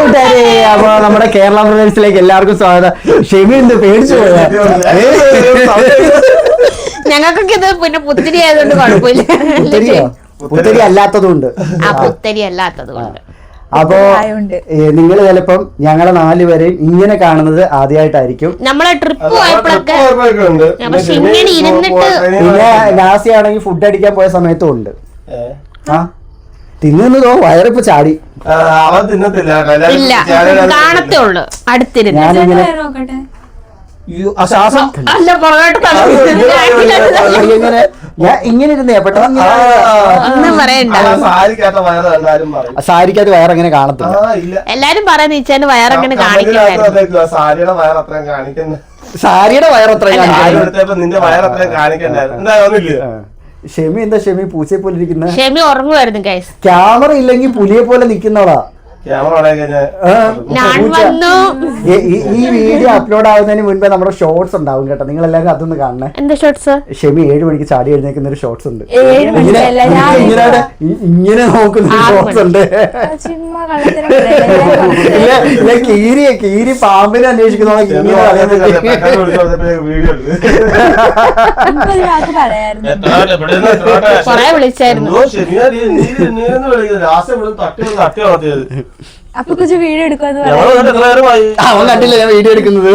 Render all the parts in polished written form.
കൂട്ടുകാരെ, അപ്പൊ നമ്മുടെ കേരള പ്രദേശത്തിലേക്ക് എല്ലാവർക്കും സ്വാഗതം. ഷെമി എന്ത് പേടിച്ചു പോയാ? ഞങ്ങൾക്കൊക്കെ ഇത് പിന്നെ പുത്തിരി ആയതുകൊണ്ട് കുഴപ്പമില്ല. പുത്തരി അല്ലാത്തതുകൊണ്ട്. പുത്തരി അല്ലാത്തത് കൊണ്ട്. അപ്പോ നിങ്ങൾ ചിലപ്പം ഞങ്ങളെ 4 പേരെയും ഇങ്ങനെ കാണുന്നത് ആദ്യമായിട്ടായിരിക്കും. നമ്മളെ ട്രിപ്പ് പോയപ്പോഴൊക്കെ ഇങ്ങനെ ഇരുന്നിട്ട്, പിന്നെ നാസി ആണെങ്കിൽ ഫുഡ് അടിക്കാൻ പോയ സമയത്തും ഉണ്ട്. ആ തിന്നോ വയറിപ്പോ ചാടി. അവൻ തിന്നത്തില്ല, കാണത്തേ ഉള്ളു അടുത്തിരുന്ന്. ഞാനിങ്ങനെ ഞാൻ ഇങ്ങനെ ഇരുന്നേ പെട്ടെന്ന് സാരിക്കകത്ത് വയറെങ്ങനെ കാണത്തില്ല. എല്ലാരും പറയുന്ന ഈച്ചാന് വയറെങ്ങനെ കാണിക്കണ്ടായിരുന്നു. സാരിയുടെ വയറത്രയും നിന്റെ വയറത്രയും കാണിക്കണ്ടായിരുന്നു. ഷെമി എന്താ ഷെമി പൂച്ചയെ പോലെ ഇരിക്കുന്ന? ഷെമി ഉറങ്ങുമായിരുന്നു ഗൈസ്. ക്യാമറ ഇല്ലെങ്കിൽ പുലിയെ പോലെ നിക്കുന്നവളാ. ഈ വീഡിയോ അപ്ലോഡ് ആവുന്നതിന് മുൻപേ നമ്മുടെ ഷോർട്സ് ഉണ്ടാവും കേട്ടോ, നിങ്ങൾ എല്ലാവരും അതൊന്ന് കാണണേ. എന്താ ഷോർട്സ്? ഷെമി 7 മണിക്ക് ചാടി എഴുന്നേക്കുന്ന ഒരു ഷോർട്സ് ഉണ്ട്. ഇങ്ങനെ നോക്കുന്ന ഷോർട്സ് ഉണ്ട്. കീരി പാമ്പിനെ അന്വേഷിക്കുന്ന കൊറേ വിളിച്ചായിരുന്നു. അപ്പൊ കുറച്ച് വീഡിയോ എടുക്കാന്ന് അവൻ കണ്ടില്ല ഞാൻ വീഡിയോ എടുക്കുന്നത്.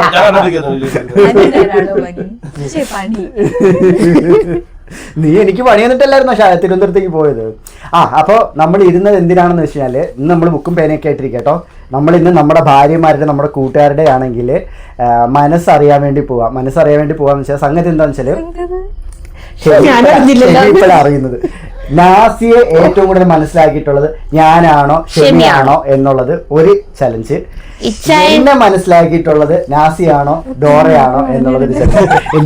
നീ എനിക്ക് പണി തന്നിട്ടല്ലായിരുന്നോ തിരുവനന്തപുരത്തേക്ക് പോയത്? അപ്പോൾ നമ്മൾ ഇരുന്നത് എന്തിനാണെന്ന് വെച്ച് കഴിഞ്ഞാൽ, ഇന്ന് നമ്മൾ ബുക്കും പേനയൊക്കെ ആയിട്ടിരിക്കും കേട്ടോ. നമ്മൾ ഇന്ന് നമ്മുടെ ഭാര്യമാരുടെ നമ്മുടെ കൂട്ടുകാരുടെ ആണെങ്കിൽ മനസ്സറിയാൻ വേണ്ടി പോവാന്ന് വെച്ചാൽ സംഗതി എന്താണെന്ന് വെച്ചാൽ ഇപ്പോഴാണ് അറിയുന്നത്. നാസിയെ ഏറ്റവും കൂടുതൽ മനസ്സിലാക്കിയിട്ടുള്ളത് ഞാനാണോ ഷെമിയാണോ എന്നുള്ളത് ഒരു ചലഞ്ച്. എന്നെ മനസ്സിലാക്കിയിട്ടുള്ളത് നാസിയാണോ ഡോറയാണോ എന്നുള്ളത് ഒരു ചലഞ്ച്.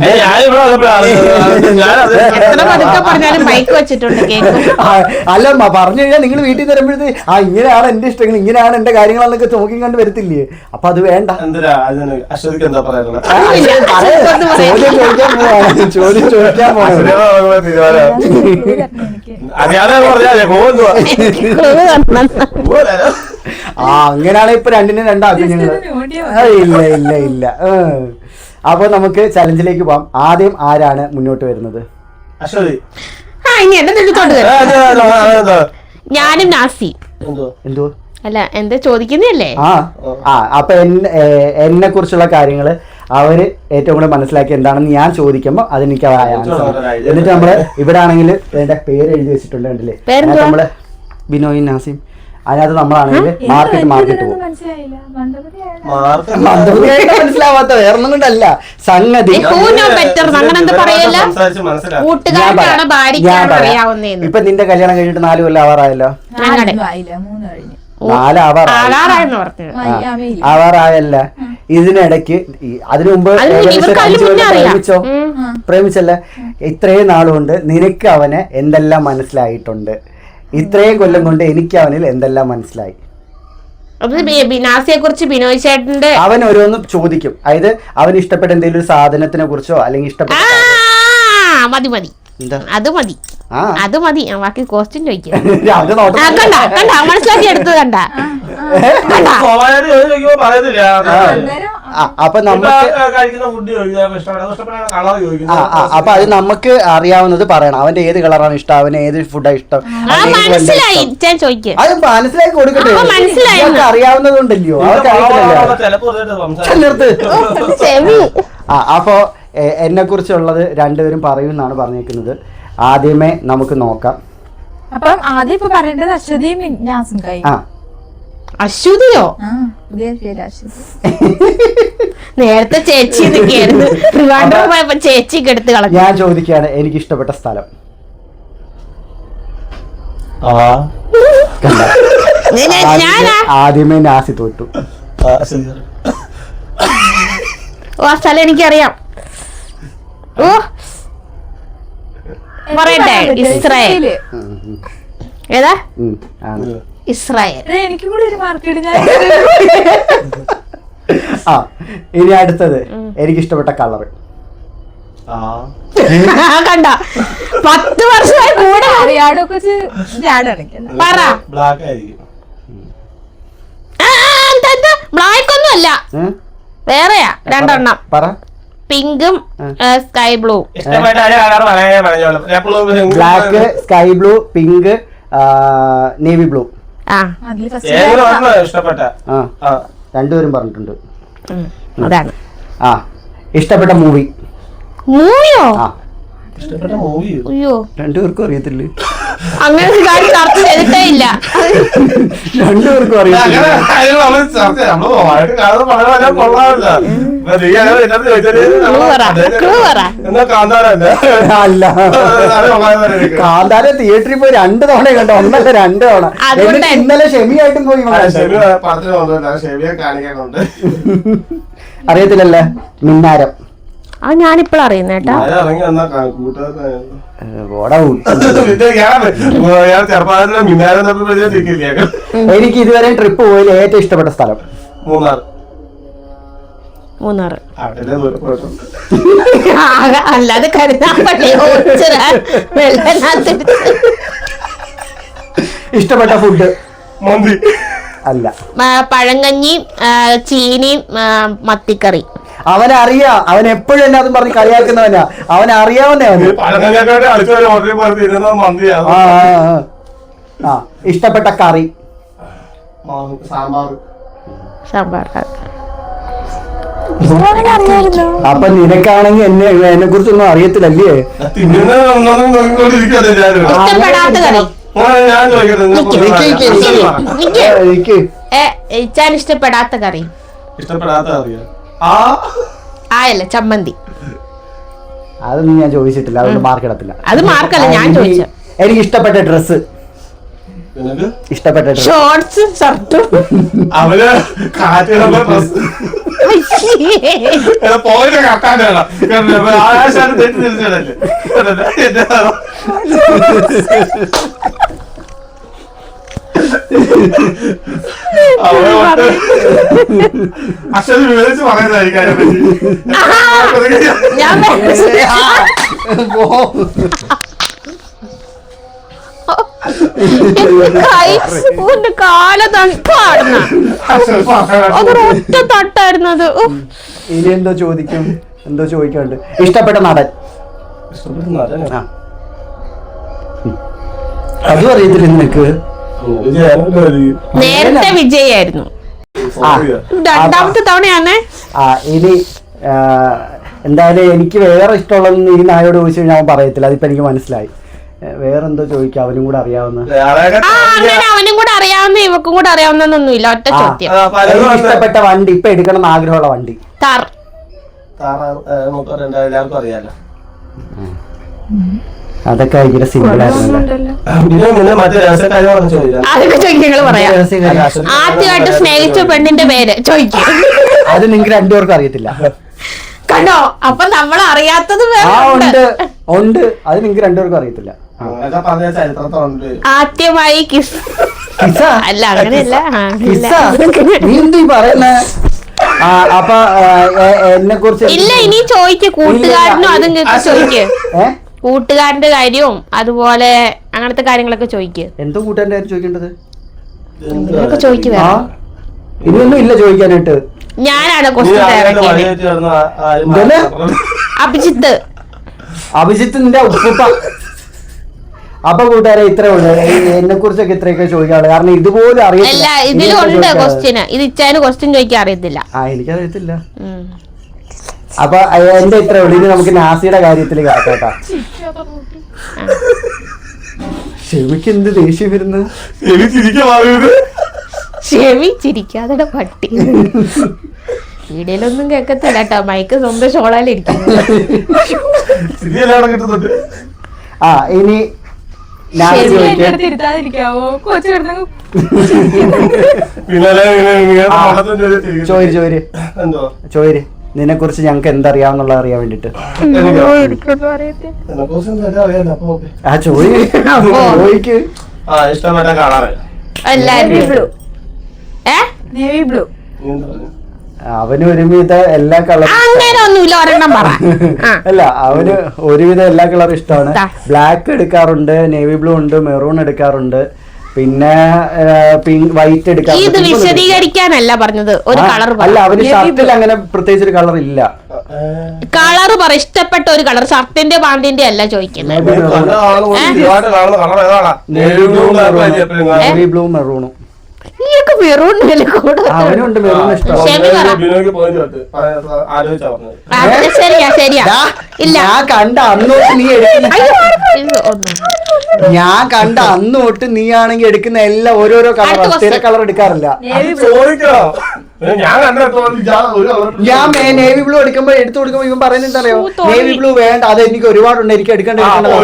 അല്ല പറഞ്ഞു കഴിഞ്ഞാൽ നിങ്ങൾ വീട്ടിൽ തരുമ്പോഴത്തേ ഇങ്ങനെയാണ് എന്റെ ഇഷ്ടങ്ങൾ, ഇങ്ങനെയാണ് എന്റെ കാര്യങ്ങളെന്നൊക്കെ നോക്കി കണ്ട് വരത്തില്ലേ? അപ്പൊ അത് വേണ്ട. ചോദ്യം ചോദിക്കാൻ അങ്ങനെയാണ് ഇപ്പൊ രണ്ടിനും രണ്ടാക്കും ഞങ്ങള്. ഇല്ല. അപ്പൊ നമുക്ക് ചലഞ്ചിലേക്ക് പോവാം. ആദ്യം ആരാണ് മുന്നോട്ട് വരുന്നത്? ഞാനും നാസി. എന്തോ അല്ല എന്താ ചോദിക്കുന്നല്ലേ? അപ്പൊ എന്നെ കുറിച്ചുള്ള കാര്യങ്ങള് അവര് ഏറ്റവും കൂടുതൽ മനസ്സിലാക്കി എന്താണെന്ന് ഞാൻ ചോദിക്കുമ്പോ അതെനിക്ക് എന്നിട്ട് നമ്മള് ഇവിടെ ആണെങ്കിൽ എന്റെ പേര് എഴുതി വെച്ചിട്ടുണ്ട്, കണ്ടില്ലേ? നമ്മള് ബിനോയ് നാസിം. അതിനകത്ത് നമ്മളാണെങ്കിൽ മാർക്കറ്റ് പോകും. മനസ്സിലാവാത്ത വേറൊന്നും കൊണ്ടല്ല സംഗതി. ഇപ്പൊ നിന്റെ കല്യാണം കഴിഞ്ഞിട്ട് 4 കൊല്ലം ആവാറായല്ലോ. 4 ആവാറായല്ല. ഇതിനിടയ്ക്ക് അതിനു മുമ്പ് പ്രേമിച്ചല്ലേ? ഇത്രയും നാളുകൊണ്ട് നിനക്ക് അവനെ എന്തെല്ലാം മനസ്സിലായിട്ടുണ്ട്? ഇത്രയും കൊല്ലം കൊണ്ട് എനിക്ക് അവനിൽ എന്തെല്ലാം മനസ്സിലായി? ബിനാസിയെ കുറിച്ച് ബിനോയ് ചേട്ടന്റെ അവൻ ഓരോന്ന് ചോദിക്കും. അതായത് അവന് ഇഷ്ടപ്പെട്ട എന്തെങ്കിലും ഒരു സാധനത്തിനെ കുറിച്ചോ അല്ലെങ്കിൽ ഇഷ്ടപ്പെട്ട അത് മതി ബാക്കി ക്വസ്റ്റ്യൻ ചോദിക്കാം. മനസ്സിലാക്കി എടുത്തത് കണ്ട. അപ്പൊ നമുക്ക് അപ്പൊ അത് നമുക്ക് അറിയാവുന്നത് പറയണം. അവന്റെ ഏത് കളറാണ് ഇഷ്ടം, അവന് ഏത് ഫുഡാണ് ഇഷ്ടം, അത് മനസ്സിലാക്കി കൊടുക്കട്ടെ. അറിയാവുന്നതുണ്ടല്ലോ, അവർക്ക് അറിയത്തില്ലല്ലോ. അപ്പൊ എന്നെ കുറിച്ചുള്ളത് രണ്ടുപേരും പറയുമെന്നാണ് പറഞ്ഞേക്കുന്നത്. ആദ്യമേ നമുക്ക് നോക്കാം. അപ്പം ആദ്യം ഇപ്പൊ പറയേണ്ടത് അശ്വതിയും നാസും. അശ്വതിയോ? നേരത്തെ ചേച്ചി പോയപ്പോ ചേച്ചിക്ക് എടുത്ത് കളഞ്ഞു. ഞാൻ ചോദിക്കുകയാണ്, എനിക്ക് ഇഷ്ടപ്പെട്ട സ്ഥലം. ആദ്യമേ നാസി തോറ്റു. ആ സ്ഥലം എനിക്കറിയാം. പറയട്ടെ, ഇസ്രായേൽ. ഏതാ? ഇസ്രായേൽ. എനിക്കും കൂടി ഒരു മാർക്ക് ഇടുന്ന. ഇനി അടുത്തത് എനിക്ക് ഇഷ്ടപ്പെട്ട കളർ. കണ്ട 10 വർഷമായി കൂടെ അറിയാടൊക്കെ പറ. ബ്ലാക്ക് ഒന്നും അല്ല, വേറെയാ രണ്ടെണ്ണം. പറ. പിങ്കും സ്കൈ ബ്ലൂ. ഇഷ്ടപ്പെട്ട colour black, sky blue, pink, navy blue. ആ ഇഷ്ടപ്പെട്ട രണ്ടുപേരും പറഞ്ഞിട്ടുണ്ട്. അതാണ്. ആ ഇഷ്ടപ്പെട്ട മൂവി. മൂവിയോ? ഇഷ്ടപ്പെട്ട മൂവി അയ്യോ രണ്ടുപേർക്കും അറിയത്തില്ലേ? അങ്ങനെ ഒരു കാര്യം ചർച്ച ചെയ്തിട്ടേ ഇല്ല. രണ്ടുപേർക്കും അറിയത്തില്ല. അല്ല, കാന്താര തിയേറ്ററിൽ പോയി 2 തവണ കണ്ടോ, 1 അല്ല 2 തവണ. എന്നിട്ട് ഇന്നലെ ഷെമിയായിട്ടും പോയി. അറിയത്തില്ലല്ലേ മിന്നാരം? ആ ഞാനിപ്പോഴും അറിയുന്നേട്ടാ. എനിക്ക് ഇതുവരെ ട്രിപ്പ് പോയതിൽ ഏറ്റവും ഇഷ്ടപ്പെട്ട സ്ഥലം മൂന്നാറ്. മൂന്നാർ അല്ലാതെ കരുതാപ്പള്ളി ഇഷ്ടപ്പെട്ട ഫുഡ് മന്തി അല്ല, പഴങ്കഞ്ഞിയും ചീനിയും മത്തിക്കറി. അവനറിയാം, അവൻ എപ്പോഴും എന്നെ അതും പറഞ്ഞ് കളിയാക്കുന്നവനാ. അവനറിയാവുന്നേ. ഇഷ്ടപ്പെട്ട കറി സാമ്പാർ. അപ്പൊ നിനക്കാണെങ്കിൽ എന്നെ കുറിച്ചൊന്നും അറിയത്തില്ലല്ലേ? ഇഷ്ടപ്പെടാത്ത കറി ഇഷ്ടപ്പെടാത്ത കറി ആയല്ല ചമ്മന്തി. അതൊന്നും ഞാൻ ചോദിച്ചിട്ടില്ല, അതുകൊണ്ട് മാർക്ക് ഇടത്തില്ല. അത് മാർക്കല്ല, ഞാൻ ചോദിച്ച. എനിക്ക് ഇഷ്ടപ്പെട്ട ഡ്രസ്. ഇഷ്ടപ്പെട്ട ഷോർട്സ് ഷർട്ടും. അവര് പോയിട്ട് കട്ടാനാണ് ആകാശാണ് തെറ്റി തിരിച്ചടല്ലേ. അക്ഷരം വിവരിച്ച് പറയുന്നതായിരിക്കും അതിനെപ്പറ്റി. കാല തണുപ്പാടുന്ന അതൊരൊറ്റ തട്ടായിരുന്നത്. ഇനി എന്തോ ചോദിക്കും, എന്തോ ചോദിക്കാണ്ട്. ഇഷ്ടപ്പെട്ട നടൻ. അതും അറിയത്തില്ല നിനക്ക്? നേരത്തെ വിജയായിരുന്നു, രണ്ടാമത്തെ തവണയാണ്. ഇനി എന്തായാലും എനിക്ക് വേറെ ഇഷ്ടമുള്ളതെന്ന് ഈ നായോട് ചോദിച്ചു കഴിഞ്ഞാൽ അവൻ പറയത്തില്ല. അതിപ്പോ എനിക്ക് മനസ്സിലായി. വേറെന്തോ ചോദിക്കാം, അവനും കൂടെ അറിയാവുന്ന. അങ്ങനെ അവനും കൂടെ അറിയാവുന്ന ഇവക്കും കൂടെ അറിയാവുന്നൊന്നുമില്ല. ഒറ്റ ചോദ്യം. ഇഷ്ടപ്പെട്ട വണ്ടി, ഇപ്പൊ എടുക്കണം എന്ന് ആഗ്രഹമുള്ള വണ്ടി. താർ. എല്ലാവർക്കും അറിയാലോ. അതൊക്കെ ഭയങ്കര സിമ്പിൾ ആയിരുന്നു. അതൊക്കെ ചോദിക്കങ്ങൾ പറയാം. ആദ്യമായിട്ട് സ്നേഹിച്ച പെണ്ണിന്റെ പേര് ചോദിക്കും. അത് നിങ്ങൾക്ക് രണ്ടുപേർക്കും അറിയത്തില്ല. കണ്ടോ? അപ്പൊ നമ്മൾ അറിയാത്തത് ഉണ്ട്. അത് നിങ്ങൾക്ക് രണ്ടുപേർക്കും അറിയത്തില്ല. ആദ്യമായി കിസ്. അല്ല അങ്ങനെയല്ല. നീ എന്ത് പറയുന്നേ? അപ്പൊ എന്നെ കുറിച്ച് ഇല്ല, ഇനി ചോദിക്ക്. കൂട്ടുകാരനും അതും ചോദിക്ക്. കൂട്ടുകാരന്റെ കാര്യവും അതുപോലെ അങ്ങനത്തെ കാര്യങ്ങളൊക്കെ ചോദിക്ക്. എന്തോ കൂട്ടുകാരന്റെ കാര്യം ചോദിക്കേണ്ടത്? ചോദിക്കുക. ഇനിയൊന്നും ഇല്ല ചോദിക്കാനായിട്ട്. ഞാനാണ് ക്വസ്റ്റ്യൻ അഭിജിത്ത്. അഭിജിത്തിന്റെ ഉപ്പ. അപ്പൊ കൂട്ടുകാരെ ഇത്രേ ഉള്ളു. എന്നെ കുറിച്ചൊക്കെ ഇത്രയൊക്കെ ചോദിക്കാറുള്ളു. കാരണം ഇതുപോലും അറിയില്ല. ഇതിലുണ്ട് ക്വസ്റ്റ്യൻ. ഇത് ഇച്ചാന് ക്വസ്റ്റ്യൻ ചോദിക്കാൻ അറിയത്തില്ല. എനിക്കറിയത്തില്ല. അപ്പൊ എന്റെ ഇത്രേ ഉള്ളു. ഇനി നമുക്ക് നാസിയുടെ കാര്യത്തിൽ കേട്ടാ. ഷെമിക്ക് എന്ത് ദേഷ്യം വരുന്നത്? ഷെമി ചിരിക്കാതെ പട്ടി. വീഡിയോയിലൊന്നും കേക്കത്തില്ല കേട്ടോ. മൈക്ക് സ്വന്തം ഷോളാലിരിക്കും. ഇനി ചോര് നിന്നെ കുറിച്ച് ഞങ്ങക്ക് എന്തറിയാവുന്നുള്ള അറിയാൻ വേണ്ടിട്ട്. ചോദിക്ക്. ഇഷ്ടപ്പെട്ട കളറ് നേവി ബ്ലൂ. അവന് ഒരുവിധം എല്ലാ കളറും അല്ല, അവന് ഒരുവിധം എല്ലാ കളറും ഇഷ്ടമാണ്. ബ്ലാക്ക് എടുക്കാറുണ്ട്, നേവി ബ്ലൂ ഉണ്ട്, മെറൂൺ എടുക്കാറുണ്ട്, പിന്നെ വൈറ്റ് എടുക്കാൻ ഇത് വിശദീകരിക്കാനല്ല പറഞ്ഞത്, ഒരു കളർ അല്ല അവന് ഷർട്ടിൽ അങ്ങനെ പ്രത്യേകിച്ച് ഒരു കളർ ഇല്ല. കളർ പറ, ഇഷ്ടപ്പെട്ട ഒരു കളർ, ഷർട്ടിന്റെ പാന്റിന്റെ അല്ല ചോദിക്കുന്നത്. നേവി ബ്ലൂ മെറൂണും. മെറൂൺ അവനുണ്ട് മെറൂൺ ഇഷ്ടം. ശരിയാ ശരിയാ. ഇല്ല ഞാൻ കണ്ട അന്നോട്ട് നീ എടുക്കുന്ന നീയാണെങ്കിൽ എടുക്കുന്ന എല്ലാം ഓരോരോ കളർ, സ്ഥിര കളർ എടുക്കാറില്ല. ഞാൻ നേവി ബ്ലൂ എടുക്കുമ്പോ എടുത്തു കൊടുക്കുമ്പോ ഇവൻ പറയുന്നത് എന്താ അറിയോ, നേവി ബ്ലൂ വേണ്ട, അത് എനിക്ക് ഒരുപാടുണ്ട്, എനിക്ക് എടുക്കേണ്ട.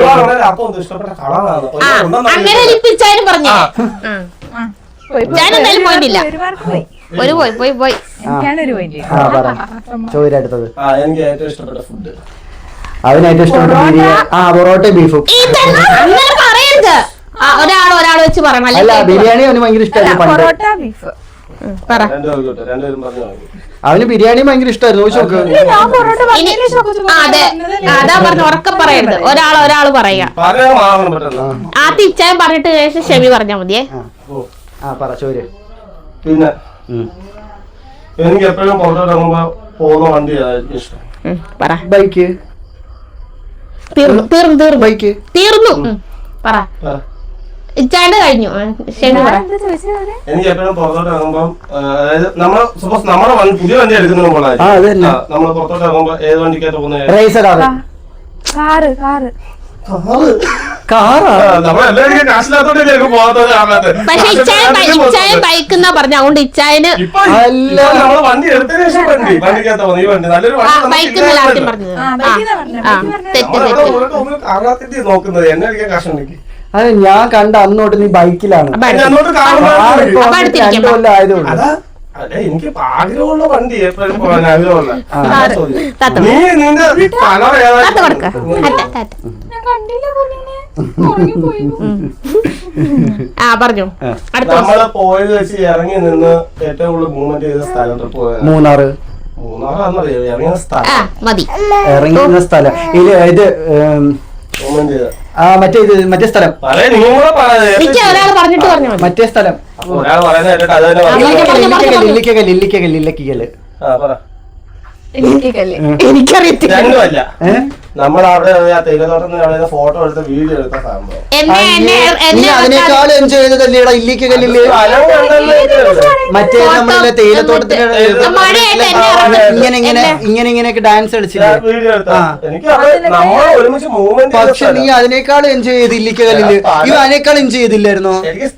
അങ്ങനെ ലിപ്പിച്ചാലും പറഞ്ഞു. ഞാനെന്തായാലും പോയിട്ടില്ല. ഒരു പോയി ചോദിച്ചത് എനിക്ക് ഏറ്റവും ഇഷ്ടപ്പെട്ട ഫുഡ്, അവന് ഏറ്റവും ഇഷ്ടപ്പെട്ട ബിരിയാണി, പൊറോട്ട ബീഫും. അങ്ങനെ പറയരുത്, ഒരാൾ വെച്ച് പറയണം. അല്ല ബിരിയാണി അവന് ഭയങ്കര ഇഷ്ടമായിരുന്നു പണ്ട്. അവന് ബിരിയാണി ഭയങ്കര ഇഷ്ടമായിരുന്നു. ചോദിച്ചു അതെ, അതാ പറഞ്ഞു, ഉറക്കെ പറയരുത്, ഒരാൾ പറയാ. ആദ്യം ഇച്ചായം പറഞ്ഞിട്ട് ശേഷം ഷെമി പറഞ്ഞാ മതിയേ. ചോര്. പിന്നെ എനിക്ക് എപ്പോഴും പുറത്തോട്ടിറങ്ങുമ്പോ പോകുന്ന വണ്ടി ഇഷ്ടം. ബൈക്ക്. തീർന്നു ബൈക്ക് തീർന്നു. പറ ഇച്ചാണ്ട് കഴിഞ്ഞു. ഷെമി പറ. എനിക്ക് എപ്പോഴും പുറത്തോട്ട് ഇറങ്ങുമ്പോ, അതായത് നമ്മള് സപ്പോസ് നമ്മുടെ പുതിയ വണ്ടി എടുക്കുന്ന നമ്മൾ പുറത്തോട്ട് ഇറങ്ങുമ്പോ ഏത് വണ്ടിക്കായിട്ട് പോകുന്നത്? നമ്മളെല്ലാവരും കാശില്ലാത്തോണ്ടല്ലേ പോകാത്തത്. പക്ഷെ ഇച്ചായ ബൈക്ക് എന്നാ പറഞ്ഞ, അതുകൊണ്ട് ഇച്ചായന് നമ്മള് വണ്ടി എടുത്തതിന് ശേഷം വണ്ടിക്കകത്ത് പോകുന്നത്. ഈ വണ്ടി നല്ലൊരു ബൈക്ക് ആദ്യം പറഞ്ഞത്. കാണാത്തിട്ട് നോക്കുന്നത് എന്നെ അടിക്കാൻ കാശുണ്ടെങ്കിൽ. അതെ, ഞാൻ കണ്ട അന്നോട്ട് നീ ബൈക്കിലാണ്. അതെ, എനിക്ക് ആഗ്രഹമുള്ള വണ്ടി എപ്പോഴും പോകാൻ ആഗ്രഹമുള്ള. നീ നിന്റെ കളർ പറഞ്ഞു. നമ്മള് പോയത് വെച്ച് ഇറങ്ങി നിന്ന് ഏറ്റവും കൂടുതൽ മൂവ്മെന്റ് ചെയ്ത സ്ഥലം പോയത് മൂന്നാറാന്നറിയോ ഇറങ്ങിയ സ്ഥലം. ഇറങ്ങുന്ന സ്ഥലം ഇത് മൂവ്മെന്റ് ചെയ്ത മറ്റേ സ്ഥലം, മറ്റേ സ്ഥലം ഒരാൾ പറയുന്നത് ഇല്ലിക്കകല്ല്. എനിക്കറിയത്തില്ല. രണ്ടുമല്ല, നമ്മളവിടെ തേയിലത്തോട്ടം ഫോട്ടോ എടുത്ത വീഡിയോ എടുത്ത സംഭവം. നീ അതിനേക്കാൾ എൻജോയ് ചെയ്തതല്ലേടാ ഇല്ലിക്കകല്ലില്. മറ്റേ നമ്മളെ തേയിലത്തോട്ടത്തിന് ഇങ്ങനെയൊക്കെ ഡാൻസ് കളിച്ചില്ലേ? പക്ഷെ നീ അതിനേക്കാൾ എൻജോയ് ചെയ്ത് ഇല്ലിക്കകല്ലില്. ഇവ അതിനേക്കാൾ എൻജോയ് ചെയ്തില്ലായിരുന്നോ?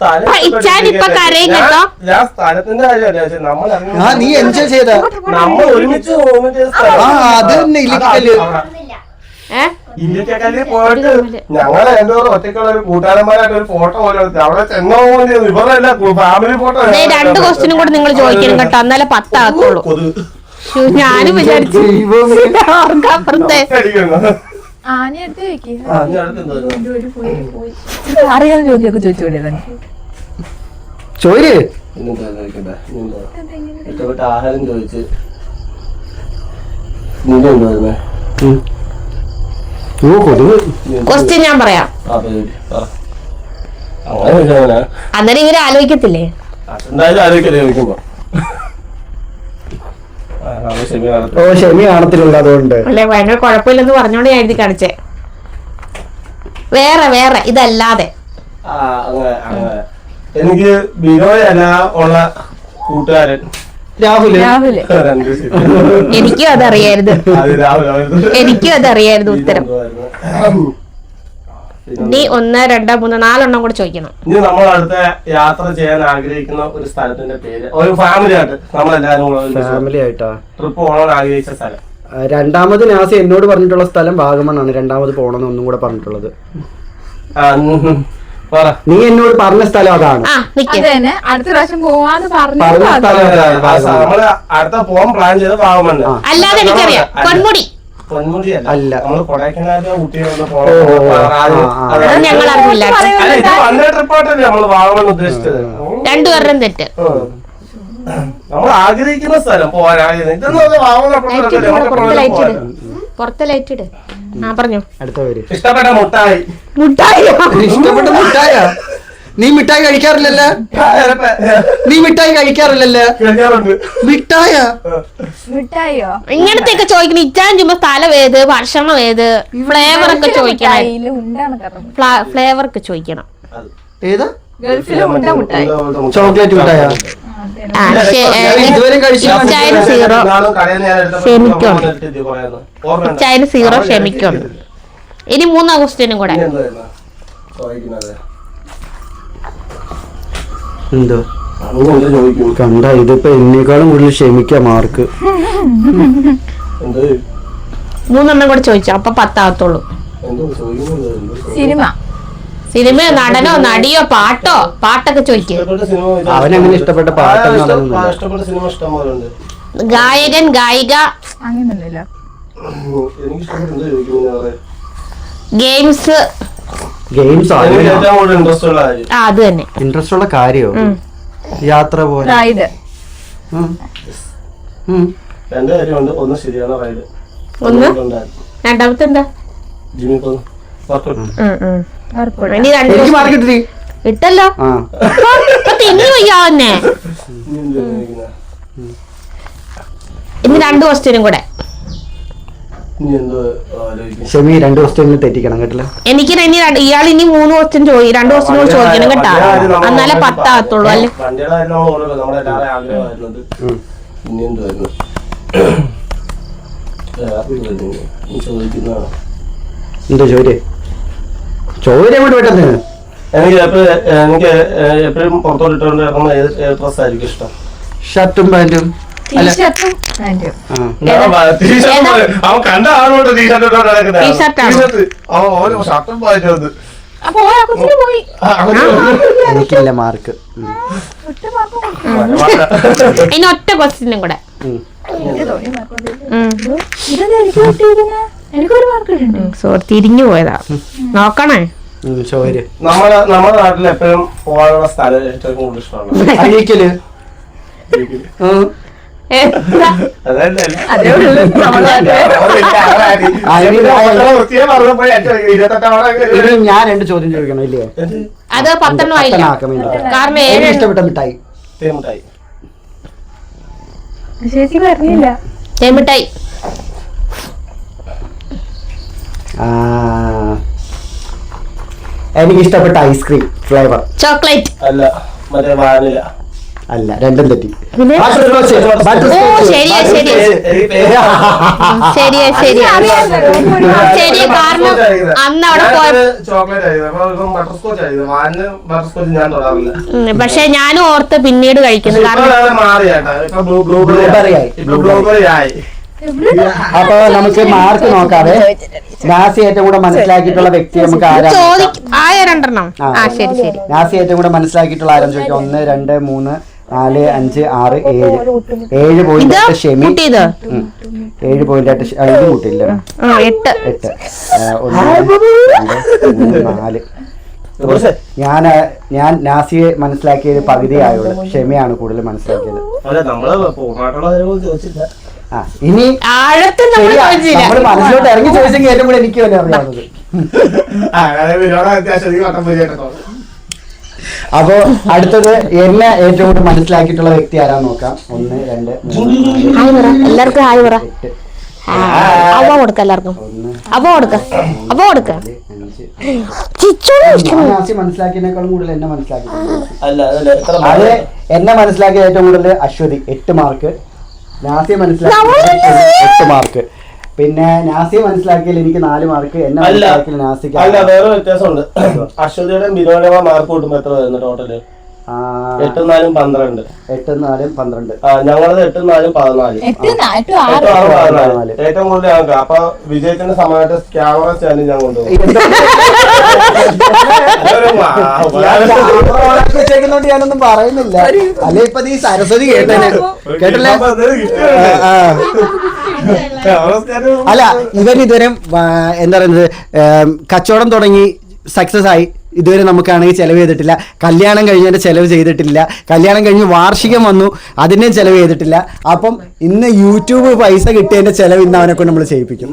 ഞാൻ സ്ഥലത്തിന്റെ കാര്യമല്ല, നമ്മൾ നീ എൻജോയ് ചെയ്ത നമ്മൾ ഒരുമിച്ച് അത് തന്നെ ഇല്ലിക്കല്ല്. ഇല്ലിക്കല്ലിൽ പോയിട്ട് ഞങ്ങളെ എന്തോ ഒറ്റയ്ക്കുള്ള ഒരു കൂട്ടുകാരന്മാരായിട്ട് ഒരു ഫോട്ടോ പോലെ അവിടെ ചെന്നോ ഇവരല്ല ഫാമിലി ഫോട്ടോ. 2 ക്വസ്റ്റ്യനും കൂടെ നിങ്ങൾ ചോദിക്കണം കേട്ടോ, എന്നാലേ 10 ആകത്തുള്ളൂ. ഞാനും വിചാരിച്ചു അറിയാൻ ചോദ്യമൊക്കെ ചോദിച്ചോളൂ. ചോര് ഇഷ്ടപ്പെട്ട ആഹാരം ചോദിച്ച് ക്വസ്റ്റ്യൻ ഞാൻ പറയാം, അന്നേരം ഇവര് ആലോചിക്കത്തില്ലേ? എന്തായാലും ആലോചിക്കല്ലേ ചോദിക്കുമ്പോ. ഷെമി കാണത്തില്ല, അതുകൊണ്ട് അല്ലെ ഭയങ്കര കുഴപ്പമില്ലെന്ന് പറഞ്ഞോണ്ട് ഞാൻ എഴുതി കാണിച്ചേ. വേറെ ഇതല്ലാതെ എനിക്ക് ബിനോയല്ല ഉള്ള കൂട്ടുകാരൻ രാഹുല്. എനിക്കും അതറിയായിരുന്നു, ഉത്തരം. നീ 1, 2, 3, 4 കൂടെ ചോദിക്കണം. ഇനി നമ്മൾ അടുത്ത യാത്ര ചെയ്യാൻ ആഗ്രഹിക്കുന്ന ഒരു സ്ഥലത്തിന്റെ പേര്, ഒരു ഫാമിലി ആയിട്ട് നമ്മളെല്ലാരും ഫാമിലി ആയിട്ടാ ട്രിപ്പ് പോകണമെന്ന് ആഗ്രഹിച്ച സ്ഥലം. രണ്ടാമത് നാസി എന്നോട് പറഞ്ഞിട്ടുള്ള സ്ഥലം വാഗമണ്ണാണ്. രണ്ടാമത് പോകണമെന്ന് ഒന്നും കൂടെ പറഞ്ഞിട്ടുള്ളത്. നീ എന്നോട് പറഞ്ഞ സ്ഥലം അതാണ്. അടുത്ത പ്രാവശ്യം പോവാന്ന് പറഞ്ഞ സ്ഥലം നമ്മള് അടുത്ത പോകാൻ പ്ലാൻ ചെയ്ത് വാഗമണ്ണ്. അല്ലാതെ എനിക്കറിയാം പൊന്മുടി. അല്ല, നമ്മള് കൊടൈക്കനാലിലെ ഊട്ടിയിലൊന്ന് ഞങ്ങൾ അറിഞ്ഞില്ല. ട്രിപ്പായിട്ടല്ലേ നമ്മള് വാഗമൺ ഉദ്ദേശിച്ചത്. 2 പേരുടെയും തെറ്റ്. നമ്മൾ ആഗ്രഹിക്കുന്ന സ്ഥലം പോകാൻ പുറത്തെ ലൈറ്റ് ഇട്. പറഞ്ഞു. അടുത്ത പേര് ഇഷ്ടപ്പെട്ട മുട്ടായി. ഇഷ്ടപ്പെട്ട മുട്ടായ നീ മിഠായി കഴിക്കാറില്ലല്ലോ. നീ മിഠായി കഴിക്കാറില്ലല്ലോ. മിഠായ മിഠായിയോ? ഇങ്ങനത്തെയൊക്കെ ചോദിക്കണം. ഇച്ചാൻ ചുമ്മാ സ്ഥലം ഏത്, ഭക്ഷണം ഏത്, ഫ്ലേവർ ഒക്കെ ചോദിക്കണം. ഫ്ലേവർ ഒക്കെ ചോദിക്കണം. ഏതാ? ഗൾഫിലെ ഉണ്ട മിഠായി. ചോക്ലേറ്റ് മിഠായ. ഇതുവരെ കഴിച്ചില്ല. ഇച്ചായന് 0 ക്ഷമിക്കുന്നുണ്ട്. ഇനി 3 ക്വസ്റ്റ്യനും കൂടെ. എന്തോ കണ്ട, ഇതിപ്പോ എന്നേക്കാളും കൂടുതൽ ക്ഷമിക്ക മാർക്ക്. 3 കൂടെ ചോദിച്ചു, അപ്പൊ 10 ആകത്തുള്ളൂ. സിനിമ, നടനോ നടിയോ പാട്ടോ? പാട്ടൊക്കെ ചോദിക്കും. അവനങ്ങനെ ഇഷ്ടപ്പെട്ട പാട്ടൊന്നും ഗായകൻ, ഗായിക, അങ്ങനല്ലോ. ഗെയിംസ്. അത് തന്നെ ഇൻട്രസ്റ്റ് ഉള്ള കാര്യോ? യാത്ര പോലെ. റൈഡ്. ഒന്ന് ശരിയാണ് റൈഡ്. രണ്ടാമത്തെ എന്താ? ഇനി എനിക്ക് മാർക്ക് കിട്ടി. ഇട്ടല്ലോ. തിന്നു വയ്യാവന്നെ. ഇനി 2 ക്വസ്റ്റ്യനും കൂടെ. ഷെമി 2 ക്വസ്റ്റ്യൻ തെറ്റിക്കണം കേട്ടില്ല. എനിക്ക് ഇനി ഇയാൾ ഇനി 3 ക്വസ്റ്റ്യൻ 2 ക്വസ്റ്റ്യൻ കൂടെ ചോദിക്കണം കേട്ടാ. എന്നാലേ 10 ആകത്തുള്ളൂ. അല്ലേ എന്തോ ചോദ്യം അങ്ങോട്ട് പെട്ടെന്ന്. എനിക്ക് എപ്പോഴും പുറത്തോട്ട് ഇട്ടുകൊണ്ട് ഇറങ്ങുന്ന ഏത് ഡ്രസ് ആയിരിക്കും ഇഷ്ടം? ഷർട്ടും പാന്റും. അവൻ കണ്ട ആളോട്ട് ടീഷർട്ട് എനിക്കില്ല മാർക്ക്. ഇനി ഒറ്റ ക്വസ്റ്റ്യനും കൂടെ. സോറി, തിരിഞ്ഞു പോയതാ. നോക്കണേ. നമ്മുടെ നാട്ടിൽ എപ്പോഴും പോകാനുള്ള സ്ഥലം ഏറ്റവും കൂടുതൽ ഇഷ്ടമാണ് അഴീക്കല്. ഞാൻ 2 ചോദ്യം ചോദിക്കണം ഇല്ലേ? അത് 10 ആയില്ല. കാരണം ഇഷ്ടപ്പെട്ട മിഠായി. ചേച്ചി പറഞ്ഞില്ല. തേമിഠായി. എനിക്ക് ഇഷ്ടപ്പെട്ട ഐസ്ക്രീം ഫ്ലേവർ. ചോക്ലേറ്റ്. അല്ല, മറ്റേ വാനില. അല്ല, രണ്ടും തെറ്റി. ശരി, കാരണം അന്ന് അവിടെ പക്ഷെ ഞാനും ഓർത്ത് പിന്നീട് കഴിക്കുന്നു. അപ്പൊ നമുക്ക് മാർക്ക് നോക്കാതെ നാസി ഏറ്റവും കൂടെ മനസ്സിലാക്കിയിട്ടുള്ള വ്യക്തി നമുക്ക് ആരാണ്? നാസി ഏറ്റവും കൂടെ മനസ്സിലാക്കിയിട്ടുള്ള ആരാന്ന് ചോദിക്കാം. 1 2 3 4 5 6 7 പോയിന്റ് ഷെമി. 7 പോയിന്റ് ഇത് കൂട്ടില്ല. 8 1 2 3 4. ഞാൻ നാസിയെ മനസ്സിലാക്കിയത് പകുതി ആയുള്ളൂ. ഷെമിയാണ് കൂടുതൽ മനസ്സിലാക്കിയത്. ഇനി നമ്മള് മനസ്സിലോട്ട് ഇറങ്ങി ചോദിച്ചെങ്കിൽ ഏറ്റവും കൂടെ എനിക്ക് തന്നെ അറിയാവുന്നത്. അപ്പൊ അടുത്തത് എന്നെ ഏറ്റവും കൂടുതൽ മനസ്സിലാക്കിയിട്ടുള്ള വ്യക്തി ആരാന്ന് നോക്കാം. 1 2 3 എല്ലാവർക്കും ഹായ് പറ. അവ കൊടുക്ക, എല്ലാവർക്കും അവ കൊടുക്ക, അവ കൊടുക്ക. മനസ്സിലാക്കിയതിനേക്കാളും കൂടുതൽ എന്നെ മനസ്സിലാക്കി. അത് എന്നെ മനസ്സിലാക്കിയ ഏറ്റവും കൂടുതൽ അശ്വതി 8 മാർക്ക്. നാസിയെ മനസ്സിലാക്കിയ 8 മാർക്ക്. പിന്നെ നാസിയെ മനസ്സിലാക്കിയാൽ എനിക്ക് 4 മാർക്ക്. എന്നെ മനസ്സിലാക്കിയാൽ നാസിക്ക്. അല്ല, വേറെ വ്യത്യാസമുണ്ട്. അശ്വതിയുടെ ബിനോയുടെ മാർക്ക് കൂട്ടുമ്പോ എത്ര വരുന്നു ടോട്ടല്? 8 4 12. 8 4 12. ഞങ്ങളത് 8 4 14. ഏറ്റവും കൂടുതൽ ഞങ്ങൾക്ക്. അപ്പൊ വിജയത്തിന്റെ സമയത്ത് ക്യാമറ സ്റ്റാൻഡ് ഞാൻ കൊണ്ടുപോകും. ഞാനൊന്നും പറയുന്നില്ല. അല്ലെ ഇപ്പൊ നീ സരസ്വതി കേട്ടല്ലേ? അല്ല, ഇവൻ ഇതുവരെ എന്താ പറയുന്നത്, കച്ചവടം തുടങ്ങി സക്സസ് ആയി. ഇതുവരെ നമുക്കാണെങ്കിൽ ചെലവ് ചെയ്തിട്ടില്ല. കല്യാണം കഴിഞ്ഞതിന്റെ ചെലവ് ചെയ്തിട്ടില്ല. കല്യാണം കഴിഞ്ഞ് വാർഷികം വന്നു, അതിന്റെ ചെലവ് ചെയ്തിട്ടില്ല. അപ്പം ഇന്ന് യൂട്യൂബ് പൈസ കിട്ടിയതിന്റെ ചെലവ് ഇന്ന് അവനെ കൊണ്ട് നമ്മൾ ചെയ്യിപ്പിക്കും.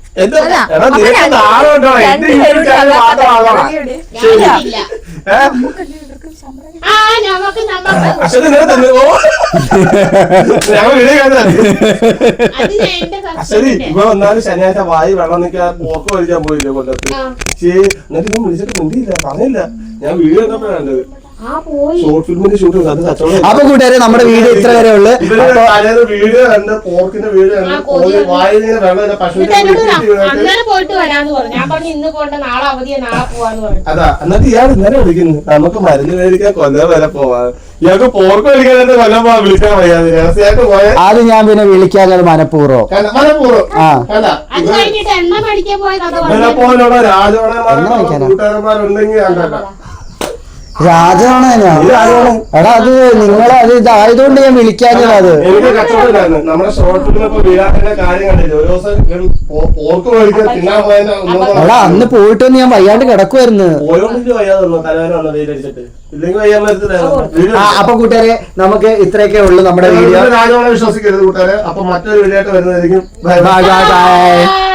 ഇപ്പൊ വന്നാലും ശനിയാഴ്ച വായി വെള്ളം നിൽക്കാൻ പോക്ക് വലിക്കാൻ പോയില്ലേ കൊല്ലത്ത്. എന്നിട്ട് ഞാൻ വിളിച്ചിട്ട് മിണ്ടിയില്ല, പറഞ്ഞില്ല. ഞാൻ വീഡിയോ കണ്ടപ്പോഴാണ് കണ്ടത്. ഷോർട്ട് ഫിലിമിന്റെ ഷൂട്ട് അത് കച്ചവടം. അപ്പൊ കൂട്ടുകാരെ നമ്മുടെ വീഡിയോ ഇത്ര വരെ ഉള്ളു. വീഡിയോ കണ്ട് പോർക്കിന്റെ വീഡിയോ കണ്ട് വായിൽ വെള്ളം അന്നേരം പോയിട്ട് വരാന്ന് പറഞ്ഞു. ഞാൻ പറഞ്ഞു ഇന്ന് പോണ്ട, നാളെ അവധിയാ, നാളെ പോവാന്ന് പറഞ്ഞു. അതാ എന്നിട്ട് ഇയാൾ ഇന്നലെ വിളിക്കുന്നു, നമുക്ക് മരുന്ന് മേടിക്കാൻ കൊല്ലം വരെ പോവാ. ഇയാൾക്ക് പോർക്ക് മേടിക്കാനായിട്ട് കൊല്ലം പോവാൻ വിളിക്കാൻ വയ്യാതെ രഹസ്യമായിട്ട് പോയാൽ അത് ഞാൻ പിന്നെ വിളിക്കാഞ്ഞത് മനഃപൂർവ്വം. അത് കഴിഞ്ഞിട്ട് എണ്ണ മേടിക്കാൻ പോയത് പോലുള്ള കൂട്ടുകാരന്മാരുണ്ടെങ്കിൽ കണ്ടല്ലോ. രാജാണോ എടാ, അത് നിങ്ങളെ അത് ഇതായതുകൊണ്ട് ഞാൻ വിളിക്കാഞ്ഞത്. അത് എനിക്ക് കച്ചവടമില്ലായിരുന്നു. നമ്മുടെ ഷോർട്ട് ഫിലിമിപ്പോ വീഴാത്തിന്റെ കാര്യം കണ്ടില്ല. ഒരു ദിവസം പോർക്ക് മേടിക്കാൻ തിന്നാൻ പോയാൽ എടാ അന്ന് പോയിട്ടൊന്ന് ഞാൻ വയ്യാണ്ട് കിടക്കുമായിരുന്നു. പോയോണ്ടിട്ട് വയ്യാതെ വന്നു, തലവേദന വന്നു വെയിലടിച്ചിട്ട്. ഇല്ലെങ്കിൽ വയ്യാൻ പറ്റത്തില്ല. അപ്പൊ കൂട്ടുകാരെ നമുക്ക് ഇത്രയൊക്കെ ഉള്ളു നമ്മുടെ വീഡിയോ. രാജാവളെ വിശ്വസിക്കരുത് കൂട്ടുകാരെ. അപ്പൊ മറ്റൊരു വീഡിയോ ആയിട്ട് വരുന്നതായിരിക്കും. Bye bye by.